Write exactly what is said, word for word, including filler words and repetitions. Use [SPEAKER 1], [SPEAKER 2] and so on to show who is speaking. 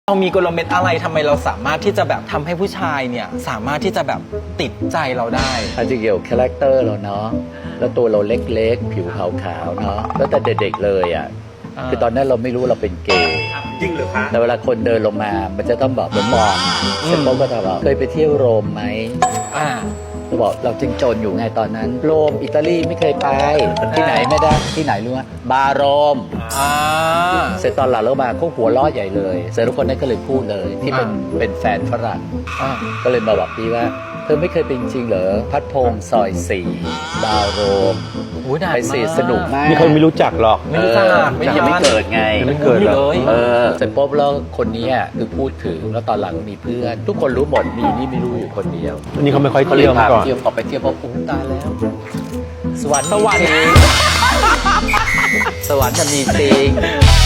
[SPEAKER 1] เรามีกลเม็ดอะไรทำไมเราสามารถที่จะแบบทำให้ผู้ชายเนี่ยสามารถที่จะแบบติดใจเราได้
[SPEAKER 2] อาจจะเกี่ยวกับคาแรคเตอร์เราเนาะแล้วตัวเราเล็กๆผิวขาวๆเนาะแล้วแต่เด็กๆเลยอ่ะคือตอนนั้นเราไม่รู้เราเป็นเกย์
[SPEAKER 3] จริงหรือคะ
[SPEAKER 2] แต่เวลาคนเดินลงมามันจะต้องแบบเหมือนมองเสร็จปุ๊บก็ถามว่าเคยไปเที่ยวโรมไหม
[SPEAKER 1] อ่า
[SPEAKER 2] เราบอกเราจึงจนอยู่ไงตอนนั้นโรมอิตาลีไม่เคยไปที่ไหนไม่ได้ที่ไหนรู้ไหมบาโรม
[SPEAKER 1] อ่า
[SPEAKER 2] เสร็จตอนหลังเรามาเขาหัวล้อใหญ่เลยเสร็จทุกคนนั้นก็เลยพูดเลยที่เป็นเป็นแฟนฝรั่งก็เลยมาบอกพี่ว่าเธอไม่เคยเป็นจริงเหรอพัดพงศ์ซอยสี่บาโรมไปสิสนุกมาก
[SPEAKER 3] นี่เขาไม่รู้จักหรอก
[SPEAKER 1] ไม่รู้จัก
[SPEAKER 2] ไม่ยังไม่เกิดไง
[SPEAKER 3] ยังไม่เกิดเลย
[SPEAKER 2] เออเสร็จปุ๊บแล้วคนนี้คือพูดถึงแล้วตอนหลังมีเพื่อนทุกคนรู้หมดมีนี่ไม่รู้อยู่คนเดียว
[SPEAKER 3] อันนี้เขาไม่ค่อย
[SPEAKER 2] เขาเล
[SPEAKER 3] เที่
[SPEAKER 2] ย
[SPEAKER 3] ยว
[SPEAKER 2] พา
[SPEAKER 3] มา
[SPEAKER 2] ไป
[SPEAKER 3] ก่อน
[SPEAKER 2] เที่ยวพอไปเที่ยวพออุ้มตายแล้วสวรรค์
[SPEAKER 1] สวรรค์
[SPEAKER 2] มีจริงสวรรค์จะมีจริง